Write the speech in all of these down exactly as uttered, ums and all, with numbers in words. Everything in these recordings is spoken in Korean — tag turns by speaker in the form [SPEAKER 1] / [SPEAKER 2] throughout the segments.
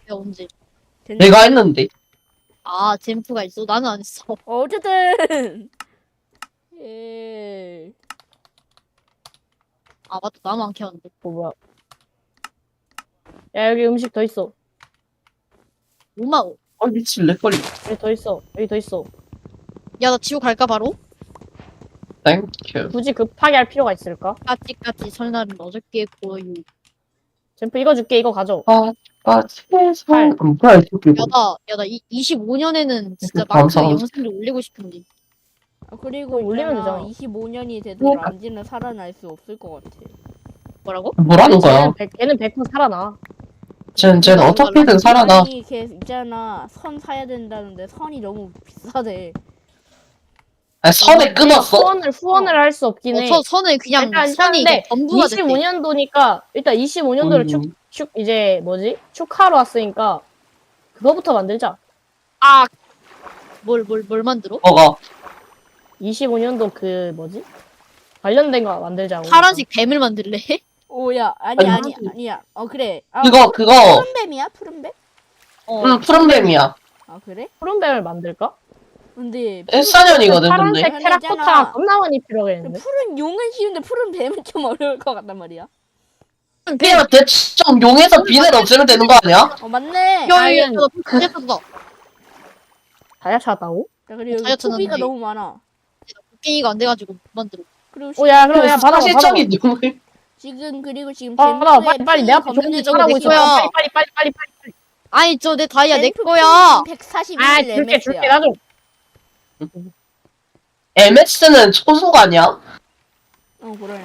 [SPEAKER 1] 내가 언제?
[SPEAKER 2] 됐네.
[SPEAKER 3] 내가 했는데.
[SPEAKER 1] 아 젠프가 있어? 나는 안 했어.
[SPEAKER 2] 어쨌든 예.
[SPEAKER 1] 아 맞다 나는 안 켰는데.
[SPEAKER 4] 뭐 뭐야? 야 여기 음식 더 있어.
[SPEAKER 1] 오마오.
[SPEAKER 3] 아 미친 렉걸리.
[SPEAKER 4] 여기 더 있어. 여기 더 있어.
[SPEAKER 1] 야 나 지옥 갈까 바로?
[SPEAKER 3] 땡큐.
[SPEAKER 4] 굳이 급하게 할 필요가 있을까?
[SPEAKER 1] 까찌까찌 설날은 어저께 고유.
[SPEAKER 4] 젠프 이거 줄게. 이거 가져.
[SPEAKER 3] 아, 아, 세상.
[SPEAKER 4] 팔.
[SPEAKER 3] 음, 뭐야, 이 새끼.
[SPEAKER 1] 야나 야나 이십오 년에는 진짜 마크
[SPEAKER 3] 감사합니다.
[SPEAKER 1] 영상을 올리고 싶은데.
[SPEAKER 2] 아, 그리고
[SPEAKER 4] 그럼 올리면
[SPEAKER 2] 있잖아,
[SPEAKER 4] 되잖아.
[SPEAKER 2] 이십오 년이 돼도
[SPEAKER 3] 뭐?
[SPEAKER 2] 람지는 살아날 수 없을 것 같아.
[SPEAKER 1] 뭐라고?
[SPEAKER 3] 뭐라는 거야?
[SPEAKER 4] 걔는 백, 걔는 백 퍼센트 살아나.
[SPEAKER 3] 쟤는, 쟤는 어떻게든 살아나.
[SPEAKER 2] 아니 걔 있잖아 선 사야 된다는데 선이 너무 비싸대.
[SPEAKER 3] 아니, 선에 끊었어?
[SPEAKER 4] 후원을 후원을 할 수 없긴
[SPEAKER 1] 어,
[SPEAKER 4] 해.
[SPEAKER 1] 서, 선을 그냥
[SPEAKER 4] 일단
[SPEAKER 1] 선이
[SPEAKER 4] 일단인데
[SPEAKER 1] 전부가 됐대.
[SPEAKER 4] 이십오 년도니까 일단 이십오 년도를
[SPEAKER 3] 음.
[SPEAKER 4] 축, 축 이제 뭐지? 축하로 왔으니까 그거부터 만들자.
[SPEAKER 1] 아, 뭘, 뭘, 뭘 만들어?
[SPEAKER 3] 뭐가?
[SPEAKER 4] 이십오 년도 그 뭐지? 관련된 거 만들자고.
[SPEAKER 1] 파란색 뱀을 만들래?
[SPEAKER 2] 오야 아니
[SPEAKER 3] 아니,
[SPEAKER 2] 아니
[SPEAKER 3] 하지.
[SPEAKER 2] 아니야. 어 그래. 아,
[SPEAKER 3] 그거, 그거.
[SPEAKER 2] 푸른 뱀이야 푸른 뱀?
[SPEAKER 1] 어,
[SPEAKER 3] 응, 푸른뱀이야.
[SPEAKER 2] 아 그래?
[SPEAKER 4] 푸른뱀을 만들까?
[SPEAKER 2] 근데
[SPEAKER 3] 일 사 년이거든, 근데.
[SPEAKER 4] 파란색
[SPEAKER 2] 근데
[SPEAKER 4] 테라코타
[SPEAKER 2] 있잖아.
[SPEAKER 4] 겁나 많이 필요하겠는데?
[SPEAKER 2] 푸른 용은 쉬운데 푸른 뱀은 좀 어려울 것 같단 말이야.
[SPEAKER 3] 그냥 대충 좀 용에서 비늘 없애면 되는 거 아니야?
[SPEAKER 2] 어 맞네.
[SPEAKER 1] 야, 야, 야,
[SPEAKER 4] 아이언.
[SPEAKER 1] 나 찾았다.
[SPEAKER 4] 다이아 찾았다고?
[SPEAKER 2] 야, 그리고 여기
[SPEAKER 1] 다이어트는
[SPEAKER 2] 소비가
[SPEAKER 1] 돼.
[SPEAKER 2] 너무 많아.
[SPEAKER 1] 곡괭이가 안 돼가지고 못 만들어.
[SPEAKER 2] 그리고
[SPEAKER 4] 오야 그럼 야 받아봐 받아봐.
[SPEAKER 3] 사실적인 용을.
[SPEAKER 2] 지금 그리고 지금
[SPEAKER 4] 받아봐
[SPEAKER 2] 젠프의
[SPEAKER 4] 빨리 빨리 내 앞에
[SPEAKER 2] 핑이
[SPEAKER 4] 좋은 데
[SPEAKER 2] 검은색으로
[SPEAKER 4] 잘하고
[SPEAKER 1] 내
[SPEAKER 4] 있어.
[SPEAKER 1] 거야.
[SPEAKER 4] 빨리 빨리 빨리 빨리 빨리.
[SPEAKER 1] 아니, 저 내 다이아 내
[SPEAKER 2] 젠프
[SPEAKER 1] 거야.
[SPEAKER 2] 핑이 백사십일
[SPEAKER 4] 아 줄게 줄게 나 좀.
[SPEAKER 3] 엠에스는 초속 아니야?
[SPEAKER 2] 어 그래.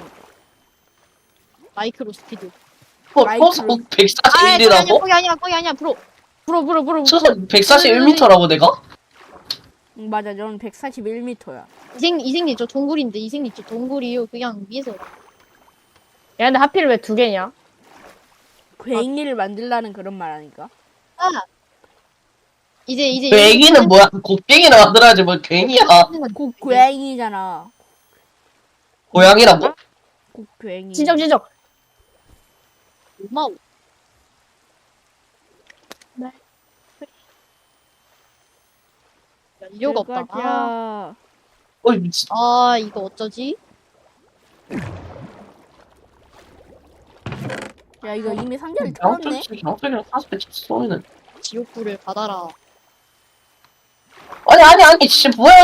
[SPEAKER 1] 마이크로 스피드.
[SPEAKER 3] 초-
[SPEAKER 2] 마이크로.
[SPEAKER 3] 초속
[SPEAKER 1] 아, 거기 아니야,
[SPEAKER 3] 백사십일이라고?
[SPEAKER 1] 거기 아니야, 거기 아니야, 프로. 프로, 프로, 프로.
[SPEAKER 3] 초속 백사십일 미터라고 내가?
[SPEAKER 2] 응, 맞아, 넌 백사십일 미터야.
[SPEAKER 1] 이생, 이생님 저 동굴인데, 이생님 저 동굴이요. 그냥 위에서.
[SPEAKER 4] 야 근데 하필 왜 두 개냐?
[SPEAKER 2] 괭이를 만들라는 그런 말 아닐까?
[SPEAKER 1] 아! 이제, 이제.
[SPEAKER 3] 그 애기는 뭐야? 곡괭이나 만들어야지 뭘 괜히야.
[SPEAKER 2] 고 괭이잖아.
[SPEAKER 3] 고양이라고?
[SPEAKER 2] 고 괭이.
[SPEAKER 4] 지적 지적.
[SPEAKER 1] 고마워.
[SPEAKER 4] 네.
[SPEAKER 1] 야, 이유가 없다. 아,
[SPEAKER 2] 아.
[SPEAKER 3] 어이 미친.
[SPEAKER 1] 아, 이거 어쩌지?
[SPEAKER 2] 야 이거 이미 상자를
[SPEAKER 3] 양쪽
[SPEAKER 2] 털었네.
[SPEAKER 3] 양쪽이랑 사십 쏘이는.
[SPEAKER 1] 지옥불을 받아라.
[SPEAKER 3] 아니 아니 아니 진짜 뭐야?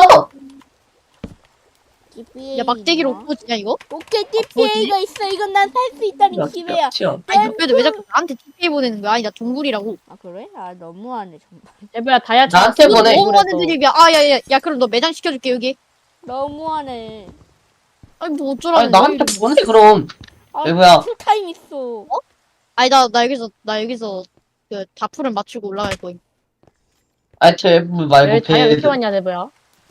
[SPEAKER 1] 야, 막대기로 엎어지냐, 이거?
[SPEAKER 2] 오케이 티피에이가 있어. 이건 난 살 수 있다는 기회야.
[SPEAKER 3] 튀어.
[SPEAKER 1] 아니, 그래도 왜 자꾸 나한테 티피에 보내는 거야? 아니, 나 동굴이라고.
[SPEAKER 2] 아 그래? 아 너무하네 정말.
[SPEAKER 4] 대부야 다이아
[SPEAKER 3] 나한테
[SPEAKER 4] 찾았어.
[SPEAKER 3] 보내.
[SPEAKER 1] 너무 많은 드립이야. 아, 야, 야, 야, 그럼 너 매장 시켜줄게, 여기.
[SPEAKER 2] 너무하네.
[SPEAKER 1] 아니, 뭐 어쩌라는
[SPEAKER 3] 아니
[SPEAKER 1] 거야,
[SPEAKER 3] 나한테
[SPEAKER 1] 이거.
[SPEAKER 3] 보내 그럼.
[SPEAKER 2] 아,
[SPEAKER 3] 왜 뭐야?
[SPEAKER 2] 풀타임 있어.
[SPEAKER 1] 아니, 나, 나 여기서, 나 여기서, 그, 다풀을 맞추고 올라갈 거임.
[SPEAKER 3] 아니 제부
[SPEAKER 4] 왜
[SPEAKER 3] 말고
[SPEAKER 4] 다이아 왜
[SPEAKER 3] 배.
[SPEAKER 4] 이렇게 많냐 대부야?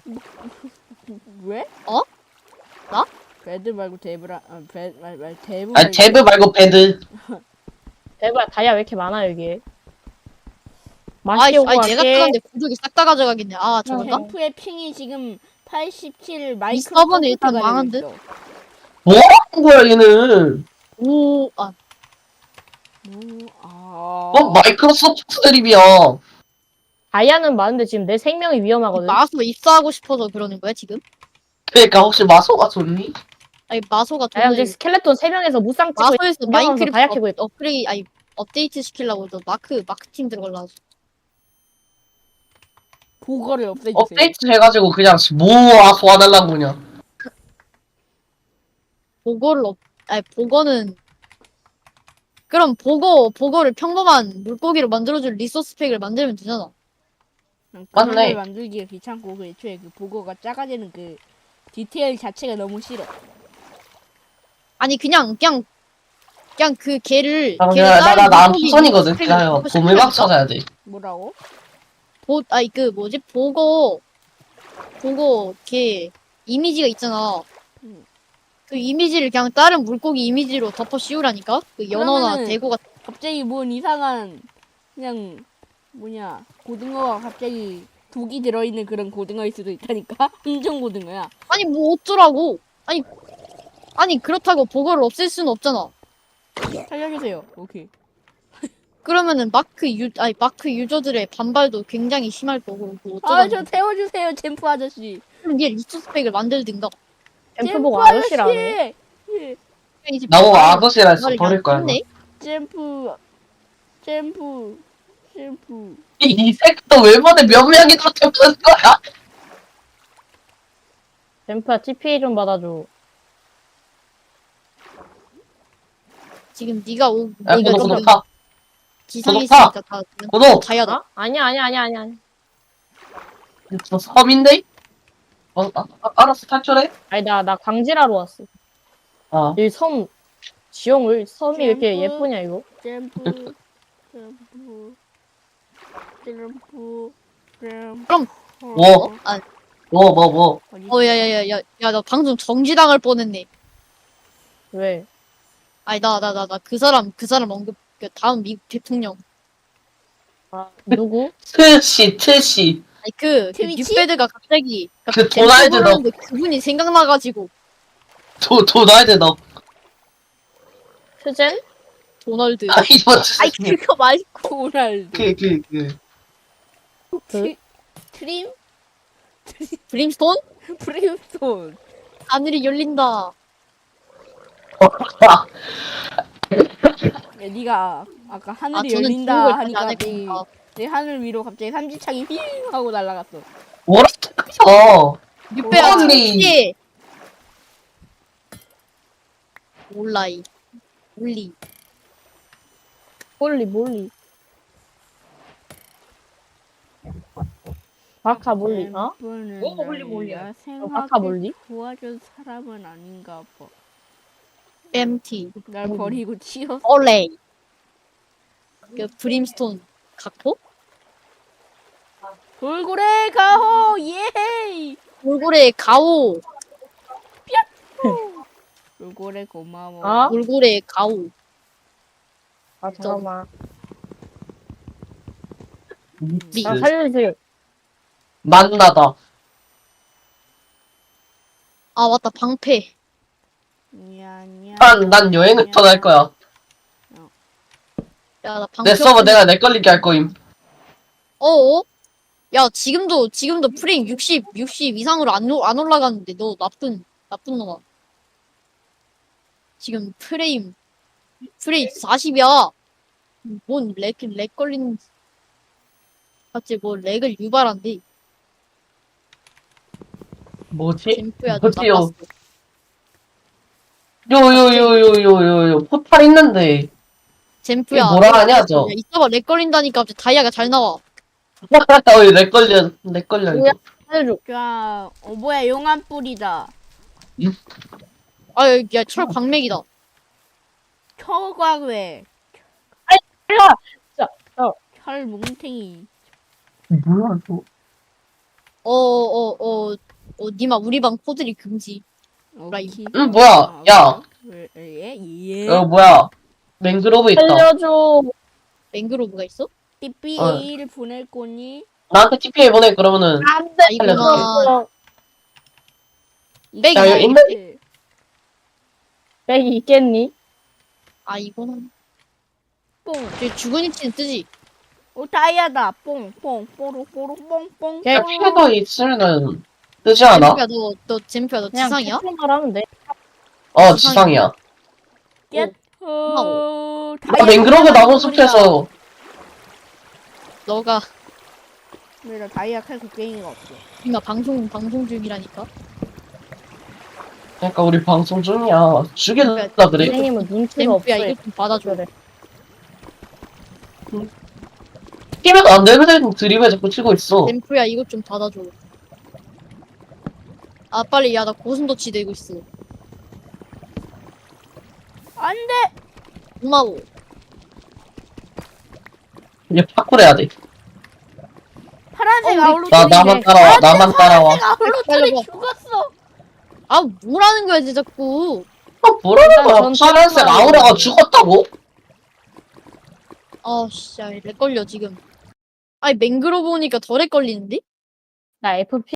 [SPEAKER 2] 왜?
[SPEAKER 1] 어? 나?
[SPEAKER 2] 배드 말고 데브라. 아, 배, 말, 말, 데브.
[SPEAKER 3] 아니 제부 말고 배드.
[SPEAKER 4] 대부야 다이아 왜 이렇게 많아 여기?
[SPEAKER 1] 아이,
[SPEAKER 4] 맛있게 오고
[SPEAKER 1] 아니, 내가
[SPEAKER 4] 갈게.
[SPEAKER 1] 뜨는데 구독이 싹 다 가져가겠네. 아, 저건가?
[SPEAKER 2] 젠프의 핑이 지금 팔십칠 마이크로.
[SPEAKER 1] 서버는 일단 망한 듯?
[SPEAKER 3] 뭐 하는 거야 얘는?
[SPEAKER 1] 오, 아,
[SPEAKER 2] 오, 아.
[SPEAKER 3] 뭐 마이크로소프트 드립이야.
[SPEAKER 4] 다이아는 많은데 지금 내 생명이 위험하거든.
[SPEAKER 1] 마소 입사하고 싶어서 그러는 거야, 지금?
[SPEAKER 3] 그러니까 혹시 마소가 좋니?
[SPEAKER 1] 아니, 마소가
[SPEAKER 4] 야
[SPEAKER 1] 돈을,
[SPEAKER 4] 지금 스켈레톤 세 명에서 무쌍 찍고
[SPEAKER 1] 마소에서
[SPEAKER 4] 구경하면서
[SPEAKER 1] 마인크래프트
[SPEAKER 4] 다이아 캐고
[SPEAKER 1] 업,
[SPEAKER 4] 있다.
[SPEAKER 1] 업그레이, 아니, 업데이트 시키려고 너 마크, 마크팀 들어가려고.
[SPEAKER 2] 보거를 없애주세요.
[SPEAKER 3] 업데이트 해가지고 그냥 모아 소환하려고 그냥.
[SPEAKER 1] 보고를 업, 아니, 보고는, 그럼 보고, 보고를 평범한 물고기로 만들어줄 리소스 팩을 만들면 되잖아.
[SPEAKER 2] 그냥
[SPEAKER 3] 맞네.
[SPEAKER 2] 그런 걸 만들기가 귀찮고 그 애초에 그 보거가 작아지는 그 디테일 자체가 너무 싫어.
[SPEAKER 1] 아니, 그냥, 그냥, 그냥 그 개를,
[SPEAKER 3] 아,
[SPEAKER 1] 걔를
[SPEAKER 3] 그냥
[SPEAKER 1] 다른
[SPEAKER 3] 나나
[SPEAKER 1] 물고기
[SPEAKER 3] 토선이거든.
[SPEAKER 1] 리소스 팩을
[SPEAKER 3] 기다려.
[SPEAKER 1] 만들고
[SPEAKER 3] 보물박
[SPEAKER 1] 싶으니까?
[SPEAKER 3] 찾아야 돼.
[SPEAKER 2] 뭐라고?
[SPEAKER 1] 보, 아니, 그, 뭐지? 보고, 보고, 걔, 이미지가 있잖아.
[SPEAKER 2] 음.
[SPEAKER 1] 그 이미지를 그냥 다른 물고기 이미지로 덮어 씌우라니까? 그 연어나
[SPEAKER 2] 그러면은-
[SPEAKER 1] 대구가,
[SPEAKER 2] 갑자기 뭔 이상한 그냥 뭐냐 고등어가 갑자기 독이 들어있는 그런 고등어일 수도 있다니까. 인종 고등어야.
[SPEAKER 1] 아니, 뭐 어쩌라고? 아니, 아니, 그렇다고 보고를 없앨 수는 없잖아.
[SPEAKER 2] 살려주세요. 오케이.
[SPEAKER 1] 그러면은 마크 유 아니 마크 유저들의 반발도 굉장히 심할 거고 뭐 어쩌다
[SPEAKER 2] 아 저 태워주세요 젠프 아저씨.
[SPEAKER 1] 그럼 얘 리소스 팩을 만들든가.
[SPEAKER 4] 앰프
[SPEAKER 2] 젠프
[SPEAKER 4] 보고 아저씨라네.
[SPEAKER 2] 예.
[SPEAKER 1] 이제
[SPEAKER 3] 나보고
[SPEAKER 1] 말을-
[SPEAKER 3] 아저씨라 해서
[SPEAKER 1] 말을
[SPEAKER 3] 버릴 거야.
[SPEAKER 1] 안 했네?
[SPEAKER 2] 젠프 젠프 젠프.
[SPEAKER 3] 이, 이 새끼도 왜 보내 몇 명이 그렇게 보는 거야?
[SPEAKER 4] 앰프야 티피에이 좀 받아줘.
[SPEAKER 1] 지금 네가 오
[SPEAKER 3] 야,
[SPEAKER 1] 네가
[SPEAKER 3] 구독,
[SPEAKER 1] 지금
[SPEAKER 3] 구독, 타.
[SPEAKER 1] 지상에
[SPEAKER 3] 구독 타.
[SPEAKER 1] 있으니까 다
[SPEAKER 3] 구독!
[SPEAKER 1] 자야다.
[SPEAKER 4] 어? 아니야 아니야 아니야 아니야. 아니야.
[SPEAKER 3] 저 섬인데? 어, 아, 아, 알았어, 탈출해.
[SPEAKER 4] 아니 나 나 광질하러 왔어.
[SPEAKER 3] 어.
[SPEAKER 4] 이 섬 지형을 섬이 왜 이렇게
[SPEAKER 2] 앰프.
[SPEAKER 4] 예쁘냐 이거?
[SPEAKER 2] 젠프 젠프 젠프 젠프.
[SPEAKER 1] 그럼
[SPEAKER 3] 뭐?
[SPEAKER 1] 아,
[SPEAKER 3] 뭐, 뭐, 뭐.
[SPEAKER 1] 어, 야, 야, 야, 야, 야, 나 방송 정지당할 뻔했네.
[SPEAKER 4] 왜?
[SPEAKER 1] 아니, 나, 나, 나, 나, 그 사람, 그 사람 언급, 그 다음 미국 대통령.
[SPEAKER 4] 아 누구?
[SPEAKER 3] 트시, 트시.
[SPEAKER 1] 아니, 그, 그
[SPEAKER 2] 트위치?
[SPEAKER 1] 뉴배드가 갑자기,
[SPEAKER 3] 그 도날드 너.
[SPEAKER 1] 너. 그분이 생각나가지고,
[SPEAKER 3] 도, 도날드 너.
[SPEAKER 4] 트젠?
[SPEAKER 1] 도널드.
[SPEAKER 3] 아니, 뭐,
[SPEAKER 1] 아이, 그거 말고.
[SPEAKER 2] 도날드.
[SPEAKER 3] 그, 그, 그.
[SPEAKER 2] 트, 트림
[SPEAKER 1] 브림스톤?
[SPEAKER 2] 브림스톤.
[SPEAKER 1] 하늘이 열린다.
[SPEAKER 3] 아,
[SPEAKER 2] 야, 네가 아까
[SPEAKER 1] 아,
[SPEAKER 2] 하늘이
[SPEAKER 1] 저는
[SPEAKER 2] 열린다
[SPEAKER 1] 중국을 다시
[SPEAKER 2] 하니까
[SPEAKER 1] 안
[SPEAKER 2] 내,
[SPEAKER 1] 했구나.
[SPEAKER 2] 내 하늘 위로 갑자기 삼지창이 휘 하고 날아갔어.
[SPEAKER 3] 뭐라고?
[SPEAKER 1] 뉴배야,
[SPEAKER 3] 언니.
[SPEAKER 1] 혹시. 몰라이. 몰리.
[SPEAKER 4] 몰리 몰리. 바카 몰리. 어?
[SPEAKER 2] 앰프는
[SPEAKER 4] 뭐 몰리
[SPEAKER 2] 날
[SPEAKER 4] 몰리야?
[SPEAKER 2] 야생하게
[SPEAKER 4] 바카 몰리?
[SPEAKER 2] 도와준 사람은 아닌가 봐.
[SPEAKER 1] 엠티.
[SPEAKER 2] 날 버리고 치웠어.
[SPEAKER 1] 올레이. 그 브림스톤 각포?
[SPEAKER 2] 돌고래 가호 예이.
[SPEAKER 1] 돌고래 가오.
[SPEAKER 2] 돌고래 고마워.
[SPEAKER 4] 어?
[SPEAKER 1] 돌고래 가오.
[SPEAKER 4] 아 잠깐만.
[SPEAKER 1] 미.
[SPEAKER 4] 나 살려주세요.
[SPEAKER 3] 만나다.
[SPEAKER 1] 아, 맞다. 방패.
[SPEAKER 2] 냐냐.
[SPEAKER 3] 난, 난 여행을 떠날 거야.
[SPEAKER 1] 야, 나 방패.
[SPEAKER 3] 내 서버
[SPEAKER 1] 없으면-
[SPEAKER 3] 내가 내 걸리게 할 거임.
[SPEAKER 1] 어어? 야, 지금도, 지금도 프레임 육십, 육십 이상으로 안, 올- 안 올라가는데, 너 나쁜, 나쁜 놈아. 지금 프레임, 프레임 사십이야. 뭔 렉, 렉 걸리는, 갑자기 뭐 렉을 유발한대.
[SPEAKER 3] 뭐지?
[SPEAKER 1] 젠프야, 너
[SPEAKER 3] 뭐지요?
[SPEAKER 1] 나빴어.
[SPEAKER 3] 요요요요요요요 포탈 있는데.
[SPEAKER 1] 젠프야.
[SPEAKER 3] 이게 뭐라 하냐, 저?
[SPEAKER 1] 야, 이따가 렉 걸린다니까 갑자기 다이아가 잘 나와.
[SPEAKER 3] 어이 내 걸려 내 걸려
[SPEAKER 4] 뭐야?
[SPEAKER 3] 이거.
[SPEAKER 4] 살려줘.
[SPEAKER 2] 자, 어 뭐야 용암 뿌리다.
[SPEAKER 1] 아, 야, 야, 철 광맥이다.
[SPEAKER 2] 철광왜?
[SPEAKER 4] 살려.
[SPEAKER 2] 철 뭉탱이.
[SPEAKER 3] 뭐야 이거?
[SPEAKER 1] 어, 어, 어, 어, 니마, 우리 방 코드리 금지. 라임.
[SPEAKER 2] 오케이.
[SPEAKER 3] 응 뭐야? 야,
[SPEAKER 2] 왜, 예? 예?
[SPEAKER 3] 어 뭐야? 맹그로브 있다.
[SPEAKER 4] 살려줘.
[SPEAKER 1] 맹그로브가 있어?
[SPEAKER 2] 삐삐에이를 보낼 거니?
[SPEAKER 3] 나한테 티피에 보내 그러면은.
[SPEAKER 4] 안돼.
[SPEAKER 1] 아이구나. 백
[SPEAKER 3] 야,
[SPEAKER 1] 이
[SPEAKER 3] 여기 있네?
[SPEAKER 4] 백이 있겠니?
[SPEAKER 1] 아, 이거는.
[SPEAKER 2] 뽕.
[SPEAKER 1] 저기 죽은 위치는 뜨지?
[SPEAKER 2] 오 다이아다. 뽕, 뽕, 뽀로, 뽀로, 뽕, 뽕.
[SPEAKER 4] 야,
[SPEAKER 2] 뽕.
[SPEAKER 3] 피해도 있으면은 뜨지 않아?
[SPEAKER 1] 젠프야, 너, 너, 젠프야, 너
[SPEAKER 4] 그냥
[SPEAKER 1] 지상이야?
[SPEAKER 4] 태풍만 하면 돼.
[SPEAKER 3] 어 지상이야.
[SPEAKER 2] 깻. 어,
[SPEAKER 3] 나 맹그로브 나무 숲에서
[SPEAKER 1] 너가,
[SPEAKER 2] 왜나 다이아 칼 곡괭이가 없어.
[SPEAKER 1] 니마 방송, 방송 중이라니까?
[SPEAKER 3] 그러니까 우리 방송 중이야. 죽일라 그래.
[SPEAKER 4] 선생님은 눈치가 없어.
[SPEAKER 1] 젠프야, 이거 좀 받아줘.
[SPEAKER 4] 그래.
[SPEAKER 3] 끼면 안 되거든. 드립에 자꾸 치고 있어.
[SPEAKER 1] 젠프야, 이것 좀 받아줘. 아, 빨리, 야, 나 고슴도치 되고 있어.
[SPEAKER 2] 안 돼!
[SPEAKER 1] 고마워.
[SPEAKER 3] 이제 파쿠르 해야 돼.
[SPEAKER 2] 파란색
[SPEAKER 1] 어, 우리-
[SPEAKER 2] 아울로트리.
[SPEAKER 3] 나 나만 따라와. 나만 따라와.
[SPEAKER 2] 아울로트리
[SPEAKER 1] 빨리
[SPEAKER 2] 죽었어!
[SPEAKER 1] 아, 뭐라는 거야, 쟤 자꾸.
[SPEAKER 3] 아 뭐라는
[SPEAKER 4] 일단
[SPEAKER 3] 거야?
[SPEAKER 4] 전
[SPEAKER 3] 파란색
[SPEAKER 4] 따라와.
[SPEAKER 3] 아우라가 죽었다고?
[SPEAKER 1] 아, 씨, 야, 렉 걸려, 지금. 아니, 맹그로브 오니까 더 렉 걸리는데?
[SPEAKER 4] 나 에프피